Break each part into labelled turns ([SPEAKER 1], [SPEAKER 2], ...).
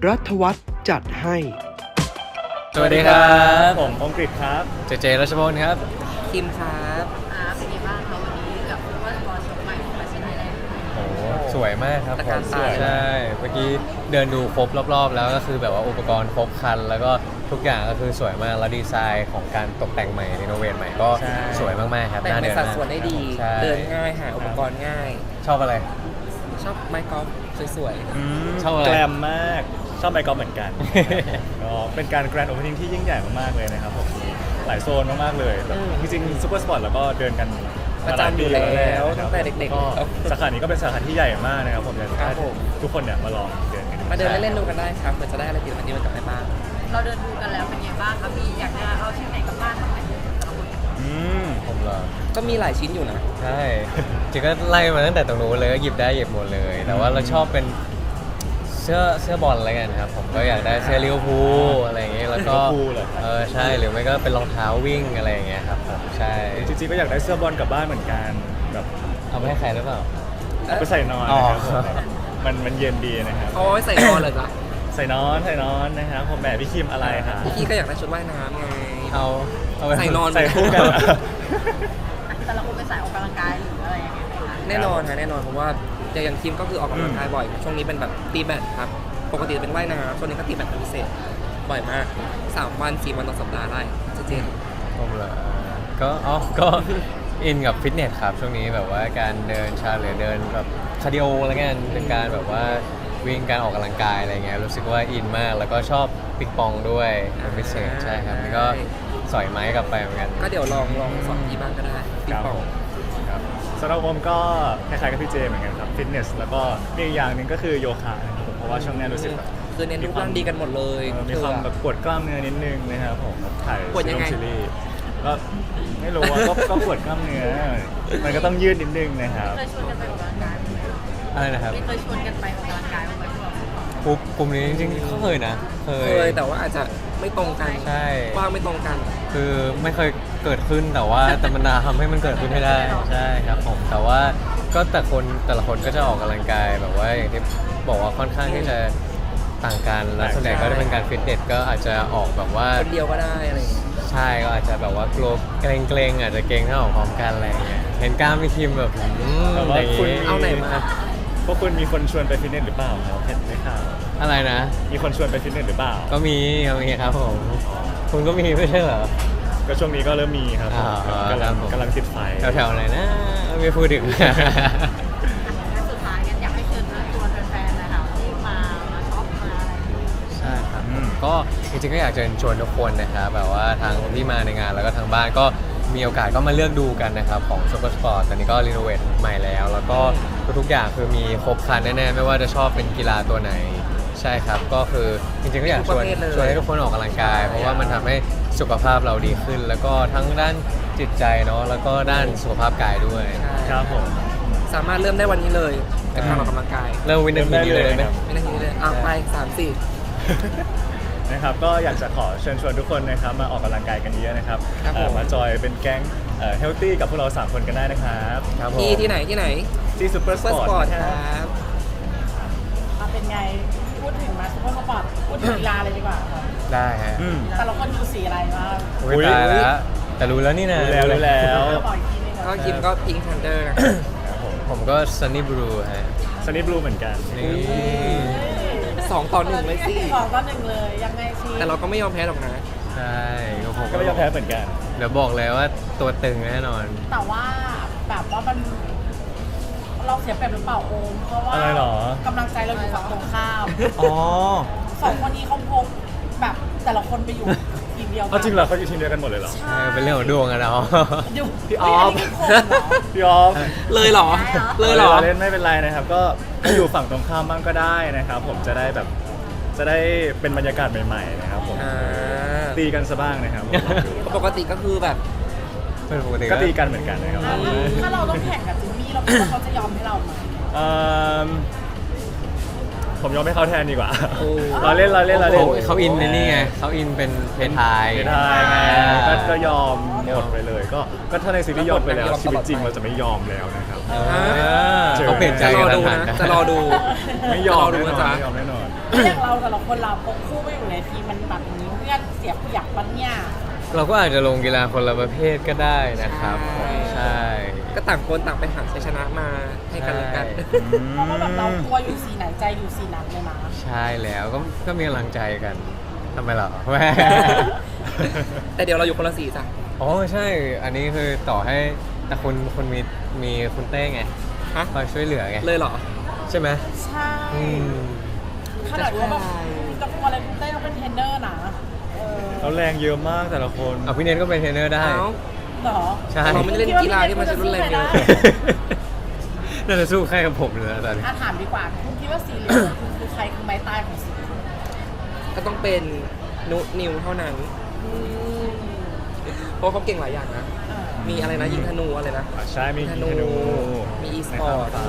[SPEAKER 1] รัฐวัฒน์จัดให้
[SPEAKER 2] สวัสดีครับ
[SPEAKER 3] ผมองกฤษครับ
[SPEAKER 2] เจรัชพลครับ
[SPEAKER 4] คิมครับ
[SPEAKER 5] เป็นยังไงบ้างคะวันนี้กับซูเปอร์สปอร์ตชมใหม่ของแฟชั่นไทยแลนด์
[SPEAKER 2] โอ้สวยมากครับ
[SPEAKER 4] ตะการตา
[SPEAKER 2] ใช่เมื่อกี้เดินดูครบรอบๆ แล้วก็คือแบบว่าอุปกรณ์ครบครัน แล้วก็ทุกอย่างก็คือสวยมากแล้วดีไซน์ของการตกแต่งใหม่รีโนเวทใหม่ก็
[SPEAKER 3] ใช่
[SPEAKER 2] สวยมากๆครับ
[SPEAKER 4] แต่งใน
[SPEAKER 2] เดิ
[SPEAKER 4] สัด
[SPEAKER 2] มาก
[SPEAKER 4] ส่วนได้ดี
[SPEAKER 2] ใช่
[SPEAKER 4] เดินง่ายหาอุปกรณ์ง่าย
[SPEAKER 2] ชอบอะไร
[SPEAKER 4] ชอบไม้กอล์ฟสวย
[SPEAKER 2] ชอบอะไร
[SPEAKER 3] แกรมมากชอบไมค์กอล์ฟเหมือน กัน ก็เป็นการแกรนด์โอเพนนิ่งที่ยิ่งใหญ่มากๆเลยนะครับผมหลายโซนมากๆเลยแบบจริงๆซูเปอร์สปอร์ตแล้วก็เดินกัน
[SPEAKER 4] ประจำอยู่แล้วตั้งแต่เด็ก
[SPEAKER 3] ก็
[SPEAKER 4] ๆ
[SPEAKER 3] สาขานี้ก็เป็นสาขาที่ใหญ่มากนะครับผมอยากจะ
[SPEAKER 4] ครั
[SPEAKER 3] ให้
[SPEAKER 4] บผม
[SPEAKER 3] ทุกคนเนี่ยมาลองเดินกันดู
[SPEAKER 4] มาเดินเล่นๆดูกันได้ครับเผื่อจะได้อะไรติดมันนี้มันกลับไปบ้าง
[SPEAKER 5] เราเดินดูกันแล้วเป็นยังไงบ้างคะมีอยากจะเอาชิ้นไหนกลับบ้านบ้างไหม
[SPEAKER 3] อืม
[SPEAKER 2] ผมเหรอ
[SPEAKER 4] ก็มีหลายชิ้นอยู่นะ
[SPEAKER 2] ใช่จริงก็ไล่มาตั้งแต่ตรงนู้นเลยก็หยิบได้หยิบหมดเลย แต่ว่าเราชอบเป็นเสื้อบอลอะไรกันครับผมก็อยากได้เสื้อลิเวอร์พูลอะไรอย่างเงี้ยแล้วก็
[SPEAKER 3] ลิเวอร์พูลเหรอ
[SPEAKER 2] ใช่หรือไม่ก็เป็นรองเท้าวิ่งอะไรอย่างเงี้ยครับผมใช่
[SPEAKER 3] จริงๆก็อยากได้เสื้อบอลกลับบ้านเหมือนกันแบบ
[SPEAKER 2] เอาไปให้ใครหรือเปล่า
[SPEAKER 3] เอาไปใส่นอน
[SPEAKER 2] อ๋อ
[SPEAKER 3] นะครับผมมันเย็นดีนะครับ
[SPEAKER 4] เอาไว้ใส่นอนเลยจ้ะ
[SPEAKER 3] ใส่นอนนะครับผมแหมพี่คิมอะไรครับ
[SPEAKER 4] พี่ก็อยากได้ชุดว่ายน้ำไง
[SPEAKER 2] เอาไป
[SPEAKER 4] ใส่นอน
[SPEAKER 3] ใส่คู่กันเหรอ
[SPEAKER 5] แต่เราคงไปสายออกกำลังกายหรืออะไรอย่างเงี้ยไหมคะ
[SPEAKER 4] แน่นอนฮะแน่นอนเพราะว่าอย่างคิมก็คือออกกำลังกายบ่อย ช่วงนี้เป็นแบบตีแบดครับ ปกติเป็นว่ายน้ำช่วงนี้ก็ตีแบดเป็นพิเศษ บ่อยมาก 3 วัน 4 วันต่อสัปดาห์ได้เจน
[SPEAKER 2] ผมเหรอก็ อินกับฟิตเนสครับช่วงนี้แบบว่าการเดินชาหรือเดินแบบคาร์ดิโออะไรเงี้ยเป็นการแบบว่าวิ่งการออกกำลังกายอะไรเงี้ยรู้สึกว่าอินมากแล้วก็ชอบปิงปองด้วยเป็นพิเศษใช่ครับนี่ก็สอยไม้กลับไปเหมือนกัน
[SPEAKER 4] ก็เดี๋ยวลองสอนที่บ้างก็ได้ปิงปอง
[SPEAKER 3] ครับสำหรับผมก็คล้ายๆกับพี่เจเหมือนกันครับฟิตเนสแล้วก็มีอีกอย่างหนึ่งก็คือโยคะนะครับผมเพราะว่าช่วงนี้รู้สึกแบบ
[SPEAKER 4] คือเน้นรูปร่างดีกันหมดเลย
[SPEAKER 3] มีความแบบปวดกล้ามเนื้อนิดนึงนะครับผมถ่าย
[SPEAKER 4] ปวดยังไง
[SPEAKER 3] ซีรีส์ก็ไม่รู้ว่าก็ปวดกล้ามเนื้อมันก็ต้องยืดนิดนึงนะครับ
[SPEAKER 5] เคยชวนกันไปออกกำลังกายไหม
[SPEAKER 2] อะไรนะครับ
[SPEAKER 5] ไม่เคยชวนกันไปออกกำลังกายบ้างไหมพวกเรา
[SPEAKER 2] กลุ่มนี้จริงๆเขาเคยนะเค
[SPEAKER 4] เคยแต่ว่าอาจจะไม่ตรงกัน
[SPEAKER 2] ใช่
[SPEAKER 4] ว่างไม่ตรงกัน
[SPEAKER 2] คือไม่เคยเกิดขึ้นแต่ว่าแต่มันทำให้มันเกิดขึ้นให้ได้ใช่ครับผมแต่ว่าก็แต่ละคนก็จะออกกำลังกายแบบว่าอย่างที่บอกว่าค่อนข้างที่จะต่างกันแล้วส่วนใหญ่ก็จะเป็นการฟิตเนสก็อาจจะออกแบบว่า
[SPEAKER 4] คนเดียวก็ได้อะไรอย่างเงี้ย
[SPEAKER 2] ใช่ก็อาจจะแบบว่ากลัวเกรงอาจจะเกรงถ้าออกพร้อมกันอะไรอย่างเงี้ยเห็นกล้ามพี่คิมแบบ
[SPEAKER 3] แต่ว่า
[SPEAKER 2] อย่าง
[SPEAKER 3] คุณ
[SPEAKER 2] งี้
[SPEAKER 4] เอาไหนมา
[SPEAKER 3] พวกคุณมีคนชวนไปฟิตเนสหรือเปล่าครับเห็นไหมครับ
[SPEAKER 2] อะไรนะ
[SPEAKER 3] มีคนชวนไปฟิตเนสหรือเปล่า
[SPEAKER 2] ก็มีครับผมคุณก็มีไม่ใช่เหรอ
[SPEAKER 3] ก็ช่วงนี้ก็เริ่มมีครับผม
[SPEAKER 2] อ๋อก
[SPEAKER 3] ำลัง
[SPEAKER 2] ครับผม
[SPEAKER 3] กำลังติดไฟ
[SPEAKER 2] แถวๆไหนนะไม่พูดถึง
[SPEAKER 5] งั้นสุดท้ายกันอยากให้เชิญชวนแฟนๆนะคะที่มาช็อปมาอะไรอย่างเงี้ย
[SPEAKER 2] ใช่ครับก็จริงๆก็อยากจะเชิญชวนทุกคนนะครับแบบว่าทางที่มาในงานแล้วก็ทางบ้านก็มีโอกาสก็มาเลือกดูกันนะครับของ Super Sport ตอนนี้ก็รีโนเวทใหม่แล้ว แล้วก็ทุกๆอย่างคือมีครบครันแน่ๆไม่ว่าจะชอบเป็นกีฬาตัวไหนใช่ครับก็คือจริงๆก็อยากชวนให้ทุกคนออกกำลังกาย เพราะว่ามันทำให้สุขภาพเราดีขึ้น แล้วก็ทั้งด้านจิตใจเนาะแล้วก็ด้านสุขภาพกายด้วย
[SPEAKER 3] ครับผม
[SPEAKER 4] สามารถเริ่มได้วันนี้เลยกับการออกกำลังกาย
[SPEAKER 2] เริ่มวินาทีนี้เลยไหม
[SPEAKER 4] ไม่นาทีนี้เลยไป3-4
[SPEAKER 3] นะครับก็อยากจะขอเชิญชวนทุกคนนะครับมาออกกำลังกายกันเยอะนะครับ
[SPEAKER 4] ครับผม
[SPEAKER 3] มาจอยเป็นแก๊งเฮลตี้กับพวกเรา3คนกันได้นะครับ
[SPEAKER 2] ครับผม
[SPEAKER 4] ที่ไหน
[SPEAKER 3] ที่ซูเปอร์ส
[SPEAKER 4] เฟิร์ส
[SPEAKER 3] ปอร์
[SPEAKER 4] ปอร์ต
[SPEAKER 3] ต
[SPEAKER 4] ค
[SPEAKER 3] นะ
[SPEAKER 4] ร
[SPEAKER 3] ครับ
[SPEAKER 4] ับ
[SPEAKER 6] เป็นไง พูดถึงมาซุปเปอร์สปอร์ตพูดถึงกีฬาเลยดีกว่าค่ะ
[SPEAKER 2] ได้ฮะ
[SPEAKER 6] แต่ละคนดูสีอะไรบ้าง
[SPEAKER 2] อุ๊ยตายแล้วแต่รู้แล้วนี่นะ
[SPEAKER 3] รู้แล้ว
[SPEAKER 6] บอกอีกทีนึง
[SPEAKER 4] ก็คิมก็พิงทันเดอร์
[SPEAKER 3] ครับผม
[SPEAKER 2] ผมก็ Sunny Blue ฮะ
[SPEAKER 3] ซันนี่บลูเหมือนกัน
[SPEAKER 2] นี่
[SPEAKER 4] 2-1เลยสิ
[SPEAKER 6] 2-1เลยยังไงชี
[SPEAKER 4] แต่เราก็ไม่ยอมแพ้หรอกนะ
[SPEAKER 2] ใช่ผม
[SPEAKER 3] ก็ไม่ยอมแพ้เหมือนกัน
[SPEAKER 2] เดี๋ยวบอกเลยว่าตัวตึงแน่นอน
[SPEAKER 6] แต่ว่าแบบว่ามันเราเสียเปรียบหรือเปล่าโอมเพราะว่า
[SPEAKER 3] อะไรหรอ
[SPEAKER 6] กำลังใจเราอยู่ฝั่งตรงข้าม
[SPEAKER 3] อ๋อ
[SPEAKER 6] สองคนนี้เขาพกแบบแต่ละคนไปอยู่ทีมเดียวกั
[SPEAKER 3] เอาจริงเหรอเขาอยู่ทีมเดียวกันหมดเลยเหรอ
[SPEAKER 6] ใช่
[SPEAKER 2] เป็นเรื่องของดวงอะเนาะ
[SPEAKER 6] อยู่
[SPEAKER 3] พี่ออฟ
[SPEAKER 6] เฮ้ยนนี้คือคนเหรอ
[SPEAKER 3] พี่ออฟ
[SPEAKER 4] เลยเหรอ เลยเหรอ
[SPEAKER 3] เล่นไม่เป็นไรนะครับ ก็ อยู่ฝั่งตรงข้ามบ้างก็ได้นะครับ ผมจะได้แบบจะได้เป็นบรรยากาศใหม่ๆนะครับผม
[SPEAKER 4] อ่า
[SPEAKER 3] ตีกันซะบ้างนะครับผมลองดู
[SPEAKER 4] ปกติก็คือแบบ
[SPEAKER 2] เป็นปกติ
[SPEAKER 3] ก็ตีกันเหมือนกันนะครับ
[SPEAKER 6] ถ้าเราต้องแข่งกับจิมมี่เราคิดว่าเขาจะยอมให้เราไหม
[SPEAKER 3] เอิ่มผมยอมให้เขาแทนดีกว่า
[SPEAKER 4] โอ้
[SPEAKER 3] เราเล่น
[SPEAKER 2] เขาอินในนี่ไงเขาอินเป็นเพทาย
[SPEAKER 3] ไม่ได้ไงก็ยอมหมดไปเลย ก็ถ้าในซีรีส์ยอมไปแล้วชีวิตจริงเราจะไม่ยอมแล้วนะครับ
[SPEAKER 2] เขาเปลี่ยนใจ
[SPEAKER 4] จะร
[SPEAKER 2] กั
[SPEAKER 4] อน ดู
[SPEAKER 2] ทัน
[SPEAKER 4] นะ
[SPEAKER 2] นะ
[SPEAKER 4] จะรอดู
[SPEAKER 3] ไม่ยอม
[SPEAKER 4] จะรอดู
[SPEAKER 3] แน่นอน
[SPEAKER 4] นะจ๊ะ
[SPEAKER 3] ไม่ยอมแน่นอน
[SPEAKER 6] อย่างเราแต่ละคนเราพกคู่ไม่อยู่ในทีมมันแบบนี้เพื่อนเสียเปรียบปัญญา
[SPEAKER 2] เราก็อาจจะลงกีฬาคนละประเภทก็ได้นะครับใช่
[SPEAKER 4] ก็ต่างคนต่างไปหาชัยชนะมาให้กันและกัน
[SPEAKER 6] เพราะว่าแบบเราตัวอยู่สีไหนใจอยู่สีนั้นเลยนะ
[SPEAKER 2] ใช่แล้วก็มีกำลังใจกันทำไมเหรอ
[SPEAKER 4] แต่เดี๋ยวเราอยู่คนละสีจ้ะ
[SPEAKER 2] อ๋อใช่ อันนี้คือต่อให้แต่คุณมีคุณเต้ไง
[SPEAKER 4] ฮะ
[SPEAKER 2] คอยช่วยเหลือไง
[SPEAKER 4] เลยเหรอ
[SPEAKER 2] ใช่ไหม
[SPEAKER 6] ใช่
[SPEAKER 2] อืม
[SPEAKER 6] ขนาดว่าแบบจะกลัวอะไรคุณเต้เขาเป็นเทรนเนอร์นะเออ
[SPEAKER 3] เราแรงเยอะมากแต่ละคน
[SPEAKER 2] เอาพี่เนทก็เป็นเทรนเนอร์ได้
[SPEAKER 4] เอ้า
[SPEAKER 6] เหรอ
[SPEAKER 2] ใช่
[SPEAKER 4] เราไม่ได้เล่นกีฬาที่มันจะรุนแรงเยอะ
[SPEAKER 2] น่าจะสู้แค่กับผมเลยนะตอนนี้
[SPEAKER 6] ถามดีกว่าคุณคิดว่าสีเหลืองคุณคือใครคือไม้ตายของสีเหลือง
[SPEAKER 4] ก็ต้องเป็นนุนิวเท่านั้น เพราะเขาเก่งหลายอย่างนะ มีอะไรนะยิงธนูอะไรนะ
[SPEAKER 3] ใช่มียิงธนู
[SPEAKER 4] มีอีส
[SPEAKER 3] ใน
[SPEAKER 4] ปอ
[SPEAKER 3] ข้าม
[SPEAKER 4] ร์ต
[SPEAKER 3] ฟ้า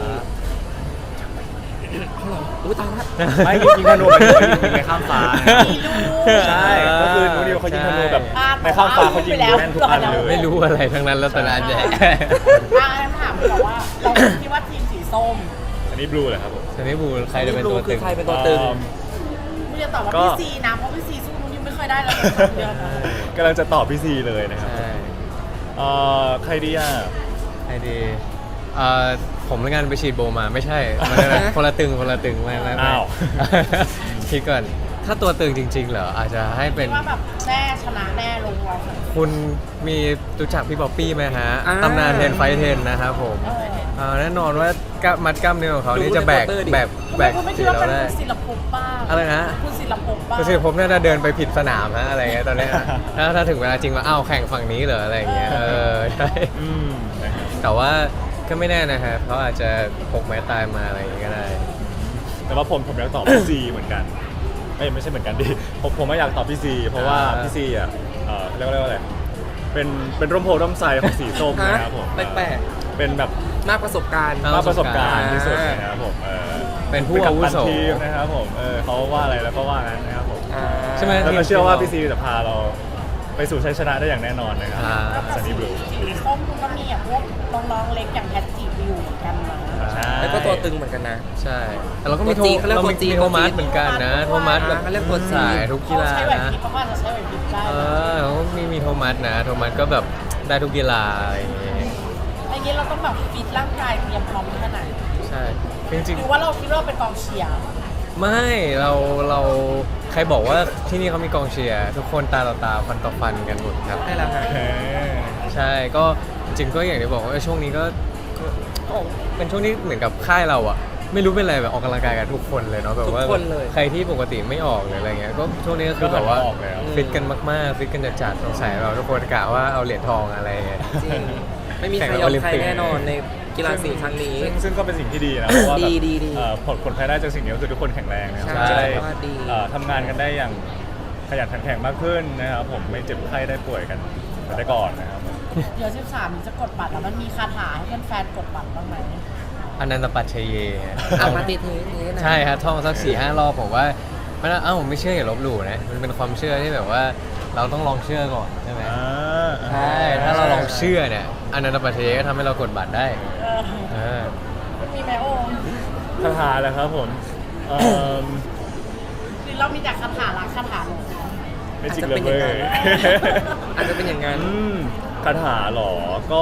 [SPEAKER 4] เขาเหรออุ้ยตายละ
[SPEAKER 3] ไม่ยิงธนูหมายถึงว่ายิงในข้ามฟ้าใช่ก็คือนูนิวเขายิงธนูแบบในข้ามฟ้าเขายิงแม่นทุกอันเลย
[SPEAKER 2] ไม่รู้อะไรทั้งนั้นแล้วแต่ละอันใหญ่
[SPEAKER 6] ถามดีกว่าว่าเราคิดว่าทีมสีส้ม
[SPEAKER 3] อันนี้บลูเหรอครับผม
[SPEAKER 2] ทีนี้บูใครจะเป็นตัว
[SPEAKER 4] คื
[SPEAKER 2] ตึ
[SPEAKER 4] อง ใครเป็นตัวตึง
[SPEAKER 6] ไม่จะตอบว่า
[SPEAKER 3] ก็
[SPEAKER 6] พี่ซีนะเพราะพี่ซีสู้นุ่นยังไม่เคยได้เลยเดือนนะ
[SPEAKER 3] กำลังจะตอบพี่ซีเลยนะครับ
[SPEAKER 2] ใช่
[SPEAKER 3] ใครดีอ่ะ
[SPEAKER 2] ไอดีผมแล้วกันไปฉีดโบมาไม่ใช่มันคนละตึงไม่
[SPEAKER 3] อ้าว
[SPEAKER 2] คิดก่อนถ้าตัวตึงจริง ๆ เหรออาจจะให้เป็
[SPEAKER 6] คิ
[SPEAKER 2] น
[SPEAKER 6] ดว่าแบบแน่ชนะแน่ลงเรา
[SPEAKER 2] คุณมีรู้จักพี่ป๊อปปี้ไหมฮะ
[SPEAKER 4] อ่า
[SPEAKER 2] ตำนานเทนไฟเทนนะครับผมแน่นอนว่ากล้ามมัดกล้ามเนื้อของเขานี่จะแบก
[SPEAKER 4] ดูในโปสเตอร์ดิ
[SPEAKER 2] แบก
[SPEAKER 6] คุณไม่คิ
[SPEAKER 2] สี
[SPEAKER 6] ดว่า
[SPEAKER 2] เรา
[SPEAKER 6] เป็น
[SPEAKER 2] ได้
[SPEAKER 6] คุณศิลปภพบ้าง
[SPEAKER 2] อะไรนะ
[SPEAKER 6] คุณศิลปภพบ้าง
[SPEAKER 2] ก็คือผมน่าจะเดินไปผิดสนามฮะอะไรเงี้ยตอนเนี้ยถ้าถึงเวลาจริงว่าอ้าวแข่งฝั่งนี้เหรออะไรอย่างเงี้ยใช่
[SPEAKER 3] อืมนะครับ
[SPEAKER 2] แต่ว่าก็ไม่แน่นะฮะเขาอาจจะพกไม้ตายมาอะไรอย่างงี้ก็ได้
[SPEAKER 3] แต่ว่าผมอยากตอบพี่ซีเหมือนกันไม่ใช่เหมือนกันดิผมไม่อยากตอบพี่ซีเพราะว่าพี่ซีอ่ะเรียกว่าอะไรเป็นร่มโพร่มไทรของสีส้มนะครับผม
[SPEAKER 4] แปลก
[SPEAKER 3] เป็นแบบ
[SPEAKER 4] มากประสบการณ์
[SPEAKER 3] มากประสบการณ์ที่สุดนะครับผม
[SPEAKER 2] เป็นผู้อาวุโส
[SPEAKER 3] เป็นกัปตันทีมนะครับผมเขาว่าอะไรแล้วก็ว่างั้นนะครับผม
[SPEAKER 4] อ่า
[SPEAKER 2] ใช่ไหม
[SPEAKER 3] แล้วก็เชื่อว่าพี่ซีจะพาเราไปสู่ชัยชนะได้อย่างแน่นอนนะครับ
[SPEAKER 2] ครับ
[SPEAKER 3] ซันนี่บลู
[SPEAKER 6] สีส้มคุณก็มีแบบพวกน้องๆเล็กอย่างแพทจิวิวเหมือนกันนะ
[SPEAKER 3] ใช่
[SPEAKER 4] แล้วก็ตัวตึงเหมือนกันนะ
[SPEAKER 2] ใช่ แต่เราก็มี
[SPEAKER 4] ตัวจีนเขาเรียก
[SPEAKER 2] เรา
[SPEAKER 4] ตัวจีน
[SPEAKER 2] มีโทมัสเหมือนกันนะ โทมัสแบบ
[SPEAKER 4] เขาเรียกตัวจีน
[SPEAKER 2] สายทุกกีฬา
[SPEAKER 6] ใช้ไหว
[SPEAKER 2] นะ
[SPEAKER 6] พริบเขาก็อาจจะใช้ไหวพริบได้
[SPEAKER 2] เขามีโทมัสนะ โทมัสก็แบบได้ทุกกีฬาอะไรอย่างเงี้ย
[SPEAKER 6] ไอ้นี้เราต้องแบบฟิตร่างกายเตรียมพร้อมแค่ไหน
[SPEAKER 2] ใช่จริง
[SPEAKER 6] หรือว่าเราคิดว่าเป็นกองเชียร์
[SPEAKER 2] ๆไม่เราใครบอกว่าที่นี่เขามีกองเชียร์ทุกคนตาต่อตาฟันต่อฟันกันหมดครับ
[SPEAKER 4] ได้แล้วฮะ
[SPEAKER 3] โอเค
[SPEAKER 2] ใช่ก็จริงๆก็อย่างที่บอกว่าช่วงนี้ก็เป็นช่วงที่เหมือนกับค่ายเราอะไม่รู้เป็นอะไรแบบออกกำลังกายกันทุกคนเลยเนาะแบบว่า
[SPEAKER 4] ทุกคนเลย
[SPEAKER 2] ใครที่ปกติไม่ออกหรืออะไรเงี้ยก็ช่วงนี้ก็คือแบบว่า
[SPEAKER 3] ออกแล้ว
[SPEAKER 2] ฟิตกันมากๆฟิตกันจัดๆสงสัยเราทุกคนกะว่าเอาเหรียญทองอะไรเงี้ย
[SPEAKER 4] จริง ไม่มีใคร
[SPEAKER 2] แข่ง
[SPEAKER 4] ยอม
[SPEAKER 2] โอลิม
[SPEAKER 4] ใคร
[SPEAKER 2] ปิก
[SPEAKER 4] แน่นอนในกีฬาสีครั้งนี้
[SPEAKER 3] ซึ่งก็เป็นสิ่งที่ดีนะเพราะว่าแบบ
[SPEAKER 4] ดี
[SPEAKER 3] ผลภายได้จากสิ่งนี้ก็คือทุกคนแข็งแรงนะครับ
[SPEAKER 4] ใช่
[SPEAKER 3] จะได้
[SPEAKER 4] ว่าดี
[SPEAKER 3] ทำงานกันได้อย่างขยันขันแข็งมากขึ้นนะครับผมไม่เจ็บไข้ได้ป่วยกันได้ก่อนนะครับผม
[SPEAKER 6] เดี๋ยว13นี้จะกดบัตรแล้วมันมีคาถาให้แฟนๆกดบัตรบ้างไหม
[SPEAKER 2] อนันตปัจเชเย
[SPEAKER 4] อ่ะมาตีเทสนะ
[SPEAKER 2] ใช่ครับท่องสัก4-5 รอบผมว่ามันผมไม่เชื่ออย่าลบหลู่นะมันเป็นความเชื่อที่แบบว่าเราต้องลองเชื่อก่อนใช่ไหมใช่ถ้าเราลองเชื่อเนี่ยอนันตปัจเชเยก็ทำให้เรากดบัตรได้
[SPEAKER 6] มันมีไหมโอม
[SPEAKER 3] คาถาแล้วครับผมเอ่อ
[SPEAKER 6] หรือเรามีแต่คาถารักคาถาหลง
[SPEAKER 3] ไม่จริง
[SPEAKER 4] อาจจะ
[SPEAKER 3] เล
[SPEAKER 4] เป็น
[SPEAKER 3] ย
[SPEAKER 4] อย่าง
[SPEAKER 3] เว้
[SPEAKER 4] นั้น
[SPEAKER 3] ย
[SPEAKER 4] อาจจะเป็นอย่างนั้น
[SPEAKER 3] คาถาเหรอ ก็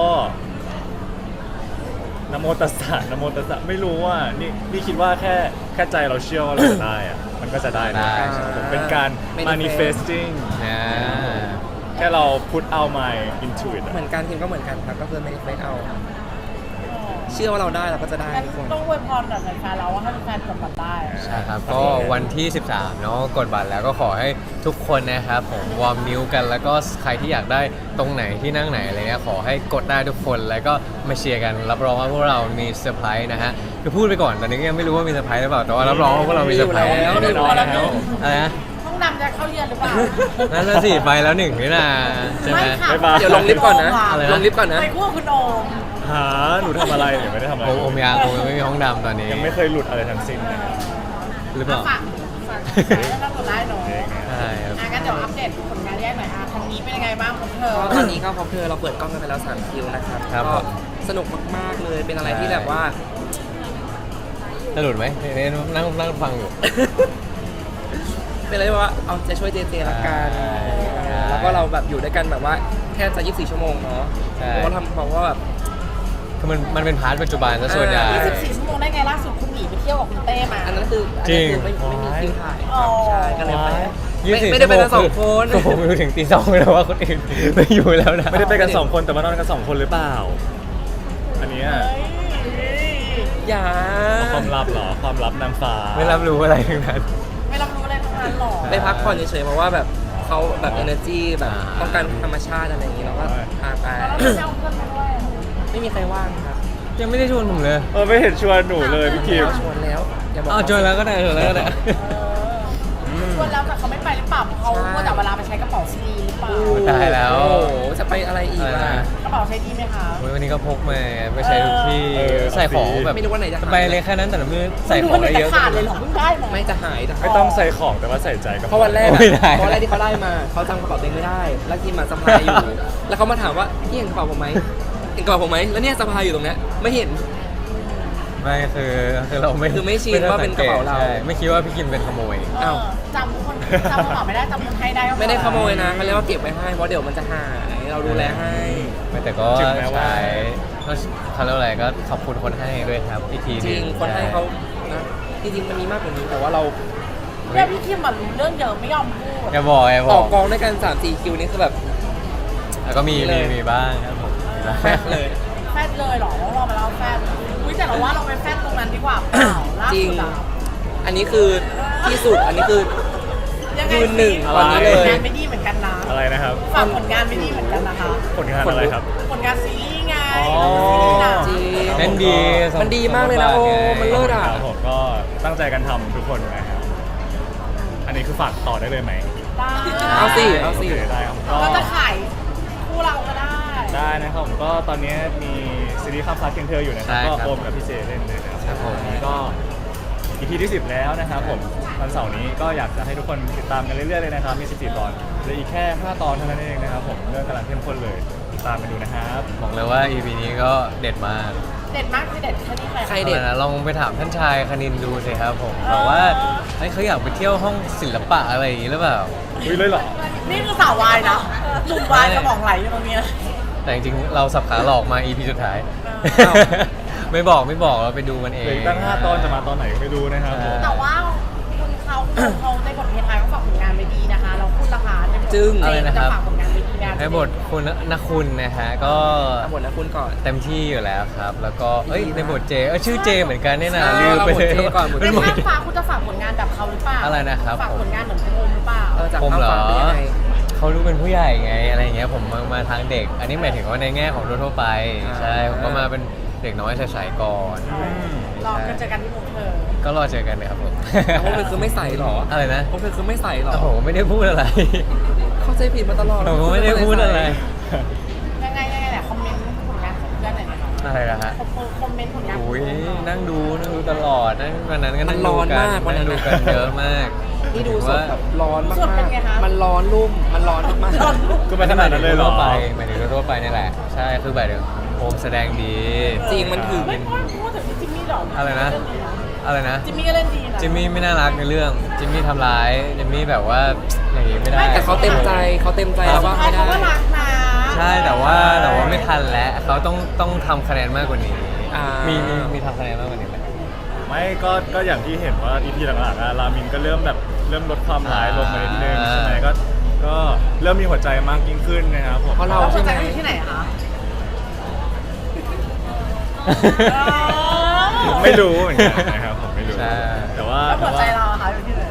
[SPEAKER 3] นะโมตัสสะนะโมตัสสะไม่รู้ว่านี่คิดว่าแค่ใจเราเชื่อว่าเราจะได้อะมันก็จะได้นะ
[SPEAKER 2] ได้
[SPEAKER 3] ผมเป็นการ manifesting
[SPEAKER 2] นะ
[SPEAKER 3] แค่เรา put out my into it
[SPEAKER 4] เหมือนกันทีมก็เหมือนกันครับก็คือไม่เอา เชื่อว่าเราได้เราก็จะได้
[SPEAKER 6] งั้น
[SPEAKER 4] ทุกคน
[SPEAKER 6] ต้องอวยพรกับแฟนๆเราว่าให้แฟนๆกดบัตรได้
[SPEAKER 2] ใช่ครับก็วันที่ 13เนาะกดบัตรแล้วก็ขอให้ทุกคนนะครับผมวอร์มนิ้วกันแล้วก็ใครที่อยากได้ตรงไหนที่นั่งไหนอะไรเงี้ยขอให้กดได้ทุกคนแล้วก็มาเชียร์กันรับรองว่าพวกเรามีเซอร์ไพรส์นะฮะคือพูดไปก่อนตอนนี้ก็ยังไม่รู้ว่ามีเซอร์ไพรส์หรือเปล่าแต่ว่ารับรองว่าพวกเรามีเซอร์ไพรส์
[SPEAKER 4] มีอยู่แล้ว
[SPEAKER 2] แน่นอนแล้วอะไรนะ
[SPEAKER 6] ห้องดำจะเข้าเยือนหรือเปล่า
[SPEAKER 2] นั่นน่ะสิไปแล้วหนึ่งนี่นะใช่ไหม
[SPEAKER 6] ค่ะ
[SPEAKER 3] บ๊ายบาย
[SPEAKER 4] เดี๋ยวลงลิฟต์ก่อนนะ
[SPEAKER 2] อะไรนะ
[SPEAKER 4] ลงลิฟต์ก่อนนะ
[SPEAKER 6] ไปคู่กับคุณโอม
[SPEAKER 3] หาหนูทำอะไรเนี่ยไม่ได้ทำอะไร
[SPEAKER 2] โอมยังไม่มีห้องดำตอนนี้
[SPEAKER 3] ยังไม่เคยหลุดอะไรทั้งสิ้นเลย
[SPEAKER 2] หรือเปล่า
[SPEAKER 6] ฝากให้เรากดได้หน่อย
[SPEAKER 2] ใช่ครับ
[SPEAKER 6] งั้นเดี๋ยวอัปเดตผลงานแยกหน่อยทางนี้เป็นยังไงบ้างของเธอ
[SPEAKER 4] ก็ตอนนี้ก็พอเพอเราเปิดกล้องกันไปแล้ว3คิวนะครับ
[SPEAKER 2] ครับ
[SPEAKER 4] ก็
[SPEAKER 2] ผม
[SPEAKER 4] สนุกมากๆเลยเป็นอะไรที่แบบว่า
[SPEAKER 2] จะหลุดไหมนี่นั่งฟังอยู่
[SPEAKER 4] เป็นอะไรว่าเอาใจช่วยเจเจละกันแล้วก็เราแบบอยู่ด้วยกันแบบว่าแค่จะ24 ชั่วโมงเนาะเพราะว่าทำบอกว่าแบบ
[SPEAKER 2] คือมันเป็นพาร์ทปัจจุบันซะส่วนใหญ่
[SPEAKER 6] 24 ชั่วโมงได้ไงล่าสุดคุณหนีไปเที่ยวกับคุณเต้มา
[SPEAKER 4] อันนั้นคือ
[SPEAKER 2] จริง
[SPEAKER 4] ไม่มีคิวถ่าย
[SPEAKER 6] อ๋อ
[SPEAKER 4] ใช่ก็เลยไป
[SPEAKER 2] 24
[SPEAKER 4] ไม่ได้ไปกันสองคน
[SPEAKER 2] ก็ผมอยู่ถึงตี 2เลยว่าคนอื่นไม่อยู่แล้วนะ
[SPEAKER 3] ไม่ได้ไปกัน2คนแต่ว่านอนกัน2คนหรือเปล่า อันเนี้ย
[SPEAKER 4] อย่า
[SPEAKER 3] ความลับเหรอความลับนางฟ้า
[SPEAKER 2] ไม่รับรู้อะไรทั้งนั้น
[SPEAKER 6] ไม่รับรู้อะไรทั้งนั้นหรอ
[SPEAKER 4] ไปพักผ่อนเฉยๆเพราะว่าแบบเขาแบบ energy แบบ
[SPEAKER 2] อ่า
[SPEAKER 4] ต้องการธรรมชาติอะไรอย่างนี้เราก็พาไป
[SPEAKER 6] แล้วเราไม่เอาเพื่อนมาด้วย
[SPEAKER 4] ไม่มีใครว่างครับ
[SPEAKER 2] ยังไม่ได้ชวนผมเลย
[SPEAKER 3] ไม่เห็นชวนหนูเลยพี่คิม
[SPEAKER 4] ชวนแล้วอย่าบอก
[SPEAKER 2] อ้าวชวนแล้วก็ได้ชวนแล้วก็ได้
[SPEAKER 6] ชวนแล้วแต่เขาไม่ไปหรือเปล่าเพราะเขาเมื่อแต่เวลาไปใช้กระเป๋าซีดีหรือเปล่า
[SPEAKER 2] ตายแล้ว
[SPEAKER 4] โอ้โหจะไปอะไรอีก
[SPEAKER 2] อะไร
[SPEAKER 4] ล่ะ
[SPEAKER 2] นะ
[SPEAKER 6] กระเป๋าใช้ดีไหมคะ
[SPEAKER 2] โอ้ยวันนี้ก็พกมาไปใช้ทุกที่
[SPEAKER 3] เออ
[SPEAKER 2] ใส่ของแบบ
[SPEAKER 4] ไม่รู้ว่าไหนจะหาย
[SPEAKER 2] ไปเลยแค่นั้นแต่ละมือใส่ของได้เยอะ
[SPEAKER 6] ม่รู้ว่าขาดเลยเหรอเพิ่งได้มา
[SPEAKER 4] ไม่จะหายจะหาย
[SPEAKER 3] ไม่ต้องใส่ของแต่ว่าใส่ใจกับ
[SPEAKER 4] เพราะวันแรก
[SPEAKER 2] ไม่ได้
[SPEAKER 4] เพราะวันแรกที่เขาได้มาเขาจำกระเป๋าตัวเองไม่ได้ แล้วทีมมาสะพายอยู่ แล้วเขามาถามว่าพี่เห็นกระเป๋าผมไหมเห็นกระเป๋าผมไหมแล้วเนี่ยสะพายอยู่ตรงเนี้ยไม่เห็น
[SPEAKER 2] ไม่คือเราไม่
[SPEAKER 4] คือไม่ชินว่าเป็นกระเป๋าเรา
[SPEAKER 2] ใช่ไม่คิดว่าพี่กิมเป็นขโมย
[SPEAKER 4] อ้าว
[SPEAKER 6] จำคนจำกระเป๋าไม่ได้จำคนให้ได้ก็พอ
[SPEAKER 4] ไม่ได้ขโมยนะเขาเรียกว่าเก็บไว้ให้เพราะเดี๋ยวมันจะหายเราดูแลให้
[SPEAKER 2] ไม่แต่ก็
[SPEAKER 3] ถึงแม้ว่า
[SPEAKER 2] ใช้ก็เขาเรียกว่าอะไรก็ขอบคุณคนให้ด้วยครับอีกที
[SPEAKER 4] จริงคนให้เขานะจริงๆมันมีมากกว่านี้แต่ว่าเรา
[SPEAKER 6] เนี่ยพี่คิมมันรู้เรื่องเยอะไม่ยอมพูด
[SPEAKER 2] อย่าบอกอย่าบ
[SPEAKER 4] ต่
[SPEAKER 2] อ
[SPEAKER 4] อก กองด้วยกัน3-4 คิวนี่คือแบบ
[SPEAKER 2] แล้วก็มี
[SPEAKER 4] เลย
[SPEAKER 2] มีบ้างครับผมมีบ้าง
[SPEAKER 4] แฟบเลย
[SPEAKER 6] แฟดเลยเหรอต้องรอมาแล้วแฟดอุ้ยแต่เราว่าเราไปแฟดตรงนั้นดีกว่าเปล่าล่า
[SPEAKER 4] จริง
[SPEAKER 6] สุดอะ
[SPEAKER 4] อันนี้คือที่สุดอันนี้คือ
[SPEAKER 6] ยังไง
[SPEAKER 4] ยืนหนึ่ง
[SPEAKER 6] ฝาก
[SPEAKER 4] วันนี้
[SPEAKER 6] ผ
[SPEAKER 4] เลย
[SPEAKER 6] ลงานไม่ดีเหมือนกันนะ
[SPEAKER 3] อะไรนะครับ
[SPEAKER 6] ฝากผลงานไม่ดีเหมือนกันนะคะ
[SPEAKER 3] ผลงานอะไรครับ
[SPEAKER 6] ผลงานซีรีส์ไง
[SPEAKER 3] อ๋อ
[SPEAKER 6] ซีรีส์หนัง
[SPEAKER 4] จริง
[SPEAKER 2] เล่นดี
[SPEAKER 4] มันดีมากเลยนะโอ้มันเลิศอ่ะ
[SPEAKER 3] ครับผมก็ตั้งใจกันทำทุกคนนะครับ อันนี้คือฝากต่อได้เลยไหม
[SPEAKER 6] ได้
[SPEAKER 4] เอาสิเอาสิ
[SPEAKER 3] โคได้ครับก็
[SPEAKER 6] เราจะขายคู่เราก็ได้
[SPEAKER 3] ได้นะครับผมก็ตอนนี้มีซีรีส์ข้ามฟ้าเคียงเธออยู่นะครับ
[SPEAKER 2] ใช่
[SPEAKER 3] ก็
[SPEAKER 2] ครับ
[SPEAKER 3] โอมกับพี่เจเล่นเลยนะครับ
[SPEAKER 2] ครับผม
[SPEAKER 3] วันนี้ก็ EP ที่ 10 แล้วนะครับผมวันเสาร์นี้ก็อยากจะให้ทุกคนติดตามกันเรื่อยๆเลยนะครับมี 14 ตอนเหลืออีกแค่ 5 ตอนเท่านั้นเองนะครับผมเรื่องกำลังเข้มข้นเลยติดตามกันดูนะครับ
[SPEAKER 2] บอกเลยว่า EP นี้ก็เด็ดมาก
[SPEAKER 6] เด็ดมากที่เด็ดแค่นี้
[SPEAKER 4] ใคร
[SPEAKER 2] เอาละนะลองไปถามท่านชายคณินดูสิครับผมแบบว่าเฮ้ยเขาอยากไปเที่ยวห้องศิลปะอะไรอย่างนี้หรือเปล่า
[SPEAKER 3] อุ้ยเลยเหรอ
[SPEAKER 6] นี่คือสาววายนะหนุ่มวายสมองไหลอยู่ตรงนี้นะ
[SPEAKER 2] แต่จริงๆเราสับขาหลอกมา EP สุดท้าย
[SPEAKER 4] อ้าว
[SPEAKER 2] ไม่บอกเราไปดูมันเอ
[SPEAKER 3] เหลือง อีกตั้ง 5 ตอนจะมาตอนไหนไม่รู้นะครับผม
[SPEAKER 6] แต่ว่าคุณเขาในบทเพลงไทยเขาฝากผลงานไว้ดีนะคะ เราคุณราคาในบท
[SPEAKER 4] จึ้ง
[SPEAKER 6] เจจะฝากผลงานไว้ดีนะ
[SPEAKER 2] ในบทคุณนักคุณนะฮะก็
[SPEAKER 4] เอาหมดแล้วคุณก่อน
[SPEAKER 2] เต็มที่อยู่แล้วครับ แล้วก็เอ้ยในบทเจชื่อเจเหมือนกันเนี่ยนะ
[SPEAKER 4] ใช่
[SPEAKER 2] ลืมไปเลย
[SPEAKER 4] เอาบทเจก่อนบท
[SPEAKER 2] เป็
[SPEAKER 6] เป็น น
[SPEAKER 2] บท
[SPEAKER 6] ภาคฟ้าคุณจะฝากผลงานแบบเขาหรือเปล่า
[SPEAKER 2] อะไรนะครับ
[SPEAKER 6] ฝากผลงานเหมือนคุณโอมหรือเปล่า
[SPEAKER 4] จาก
[SPEAKER 2] ผม
[SPEAKER 4] ข้าม
[SPEAKER 2] เหรอ
[SPEAKER 4] ฟ้าเป็นยังไง
[SPEAKER 2] เขารู้เป็นผู้ใหญ่ไงอะไรอย่างเงี้ยผมมาทางเด็ก อันนี้หมายถึงว่าในแง่ของทั่วๆไป ใช่ผมก็มาเป็นเด็กน้อยใสๆก่อน
[SPEAKER 6] รอกันเจอกันที่วงเธอ
[SPEAKER 2] ก็รอเจอกันนะครับผม
[SPEAKER 4] แล้วพวกเธอคือไม่ใส่หรอ
[SPEAKER 2] อะไรนะ
[SPEAKER 4] พวกเธอคือไม่ใส่หรอ
[SPEAKER 2] โอ้โหไม่ได้พูดอะไร
[SPEAKER 4] เข้าใจผิดมาตลอด
[SPEAKER 2] ผมก็ไม่ได้พูดอะไร
[SPEAKER 6] ยังไงแหละคอมเมนต์ผลงานของเพื่อนหน่อยนะคะ
[SPEAKER 2] อะไรนะฮะ
[SPEAKER 6] คอมเมนต์ผลงานของ
[SPEAKER 2] อุ้ย
[SPEAKER 6] เพื่อนหน่อย
[SPEAKER 2] นั่งดูตลอดนั่งวันนั้นก็
[SPEAKER 4] มั
[SPEAKER 2] นั่
[SPEAKER 4] น
[SPEAKER 2] ง
[SPEAKER 4] ร้
[SPEAKER 2] ดู
[SPEAKER 4] อน
[SPEAKER 2] กัน
[SPEAKER 4] มากวัน
[SPEAKER 2] นั่
[SPEAKER 4] นั้
[SPEAKER 2] ง
[SPEAKER 4] น
[SPEAKER 2] ดู
[SPEAKER 4] นะ
[SPEAKER 2] กันเยอะมาก
[SPEAKER 4] นี่ดูสดแบบร้อนมาก
[SPEAKER 6] สดเป็นไงคะ
[SPEAKER 4] มันร้อนรุ่มมันร้อนมาก
[SPEAKER 6] ร้อนลูก
[SPEAKER 3] ก็ไม่ขนาดนั้นเลยเหรอ
[SPEAKER 2] ทั่วไปหมายถึงทั่วไปนี่แหละ ใช่คือแบบโอมแสดงดี
[SPEAKER 4] จริงมันถึง
[SPEAKER 6] ไม่พูดถึงจิมมี่หรอ
[SPEAKER 2] อะไรนะ อะไรนะ
[SPEAKER 6] จิมมี่ก็เล่นดีนะ
[SPEAKER 2] จิมมี่ไม่น่ารักในเรื่องจิมมี่ทำร้ายจิมมี่แบบว่าอย่างนี้ไม่ได้
[SPEAKER 4] แต่เขาเต็มใจแล้วว่า
[SPEAKER 6] ใช่
[SPEAKER 4] ไม่ได้
[SPEAKER 6] เขาก็รักนะ
[SPEAKER 2] ใช่แต่ว่าไม่ทันแล้วเขาต้องทำคะแนนมากกว่านี้
[SPEAKER 4] อ่า
[SPEAKER 2] มีทำคะแนนมากกว่านี้ไหม
[SPEAKER 3] ไม่ก็อย่างที่เห็นว่า EP หลังๆอะรามินก็เริ่มลดความร้ายลงมานิดนึง
[SPEAKER 2] อ่า
[SPEAKER 3] ใช่ไหมก็เริ่มมีหัวใจมากยิ่งขึ้นนะครับผม
[SPEAKER 4] เพราะเรา
[SPEAKER 6] เรา
[SPEAKER 4] ใช่
[SPEAKER 6] ใช่
[SPEAKER 4] ไห
[SPEAKER 6] ไห
[SPEAKER 4] ม
[SPEAKER 6] มที่ไหนคะ
[SPEAKER 3] ไม่รู้เหมือนกันนะครับผมไม่รู้
[SPEAKER 2] ใช่
[SPEAKER 3] แต่ว่า
[SPEAKER 6] แล้วหัวใจเราอะคะอยู่ที่ไหน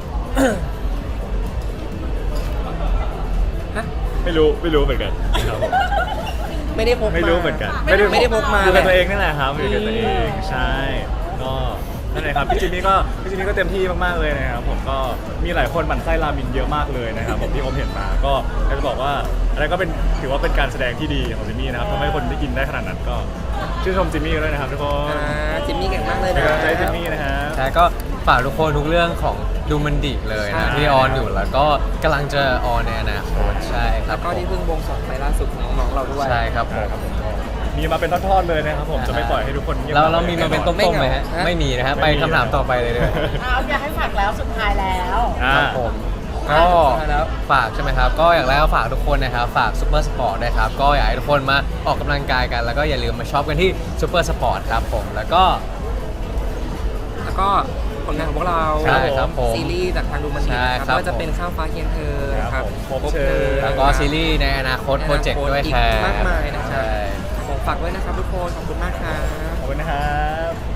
[SPEAKER 4] ฮะ
[SPEAKER 3] ไม่รู้เหมือนกันนะครับผม
[SPEAKER 4] ไม่ได้พกมา
[SPEAKER 3] ไม่รู้เหมือนกัน
[SPEAKER 4] ไม่ได้พกมา
[SPEAKER 3] อยู่กับ
[SPEAKER 4] แหละ
[SPEAKER 3] ตัวเองนั่นแหละครับอยู่กับตัวเองใช่ก็นั่นแหละครับพี่จิมมี่ก็เต็มที่มากๆเลยนะครับผมก็มีหลายคนหมั่นไส้รามินเยอะมากเลยนะครับผมที่ผมเห็นมาก็อยากจะบอกว่าอะไรก็เป็นถือว่าเป็นการแสดงที่ดีของจิมมี่นะครับทำให้คนได้กินได้ขนาดนั้นก็ชื่นชมจิมมี่ด้วยนะครับทุกคน
[SPEAKER 4] จิมมี่เก่งมากเลย
[SPEAKER 3] เป็น
[SPEAKER 4] นะ
[SPEAKER 3] กำลังใจให้จิมมี่นะครับ
[SPEAKER 2] ใช่ก็ฝากทุกคนทุกเรื่องของดูมันดิเลย
[SPEAKER 4] ใช่
[SPEAKER 2] นะที่ออนอยู่แล้วก็กำลังจะออนในอนาคตใช่ครั
[SPEAKER 4] แล้
[SPEAKER 2] บ
[SPEAKER 4] วก็ที่เพิ่งบวงสรวงไปล่าสุดของน้องๆเราด้วย
[SPEAKER 2] ใช่ครับผม
[SPEAKER 3] ครับผมก็มีมาเป็นทอดๆเลยนะครับผมจะไม่ปล่อยให้ทุกคนเงียบ
[SPEAKER 2] เรามีมาเป็นต้มๆไหมฮะ
[SPEAKER 4] ไม่เหงา
[SPEAKER 2] ไม่มีนะฮะไปคำถามต่อไปเลย
[SPEAKER 6] เอาอยากให้ฝากแล้วสุดท้ายแล้ว
[SPEAKER 3] อ่า
[SPEAKER 2] ครับผมก็
[SPEAKER 4] สุดท้ายแล้ว
[SPEAKER 2] ฝากใช่ไหมครับ ก็อย่างแรกก็ฝากทุกคนนะครับ ฝากซูเปอร์สปอร์ตด้วยครับ ก็อยากให้ทุกคนมาออกกำลังกายกัน แล้วก็อย่าลืมมาช็อปกันที่ซูเปอร์สปอร์ตครับผมแล้วก็
[SPEAKER 4] แล้วก็ผลงานของพวกเรา
[SPEAKER 2] ใช่ครับผม
[SPEAKER 4] ซีรีส์จากทางดูมันดี
[SPEAKER 2] ใช่
[SPEAKER 4] นะค
[SPEAKER 2] ครั
[SPEAKER 4] รับบ ไม่ว่าจะเป็นข้ามฟ้าเคียงเธอนะครับ
[SPEAKER 3] ผมพบเธอ
[SPEAKER 2] แล้วก็ซีรีส์ในอนาคตโปรเจกต์ด้วย
[SPEAKER 4] อี
[SPEAKER 2] ค
[SPEAKER 4] ก
[SPEAKER 2] รับ
[SPEAKER 4] มากมายนะครับ
[SPEAKER 2] ใช่
[SPEAKER 4] ของฝากไว้นะครับทุกคนขอบคุณมากครับ
[SPEAKER 3] ขอบคุณนะครับ